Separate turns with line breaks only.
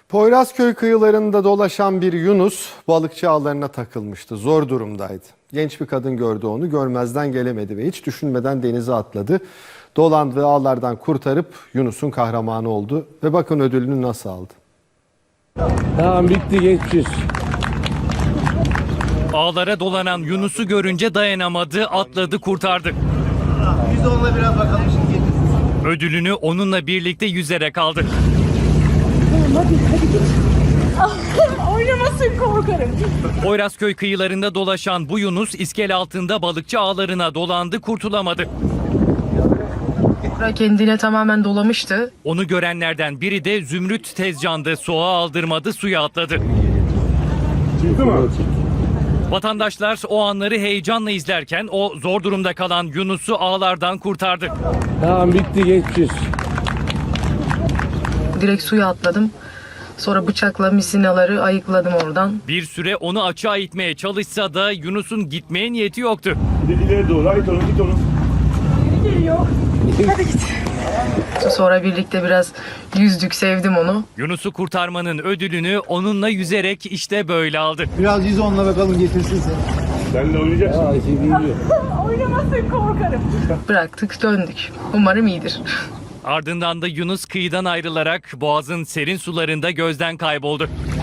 Poyrazköy kıyılarında dolaşan bir Yunus balıkçı ağlarına takılmıştı. Zor durumdaydı. Genç bir kadın gördü onu, görmezden gelemedi ve hiç düşünmeden denize atladı. Dolandığı ağlardan kurtarıp Yunus'un kahramanı oldu ve bakın ödülünü nasıl aldı.
Tamam, bitti, geçmiş.
Ağlara dolanan Yunus'u görünce dayanamadı, atladı, kurtardı.
Biz de onunla biraz bakalım şimdi.
Ödülünü onunla birlikte yüzerek aldı.
Hadi git. Oynamasın, korkarım.
Poyrazköy kıyılarında dolaşan bu Yunus iskele altında balıkçı ağlarına dolandı, kurtulamadı.
Kendine tamamen dolamıştı.
Onu görenlerden biri de Zümrüt Tezcan'dı. Soğuğa aldırmadı, suya atladı.
Çıktı mı?
Vatandaşlar o anları heyecanla izlerken o zor durumda kalan Yunus'u ağlardan kurtardı.
Tamam, bitti, geçmiş.
Direkt suya atladım. Sonra bıçakla misinaları ayıkladım oradan.
Bir süre onu açığa itmeye çalışsa da Yunus'un gitmeye niyeti yoktu.
Bir de ileri doğru, ait onu, git onu.
Geliyor. Hadi git.
Sonra birlikte biraz yüzdük, sevdim onu.
Yunus'u kurtarmanın ödülünü onunla yüzerek işte böyle aldı.
Biraz yüz onunla bakalım getirsin sen.
Sen de oynayacaksın.
Oynamasın, korkarım.
Bıraktık, döndük. Umarım iyidir.
Ardından da Yunus kıyıdan ayrılarak boğazın serin sularında gözden kayboldu.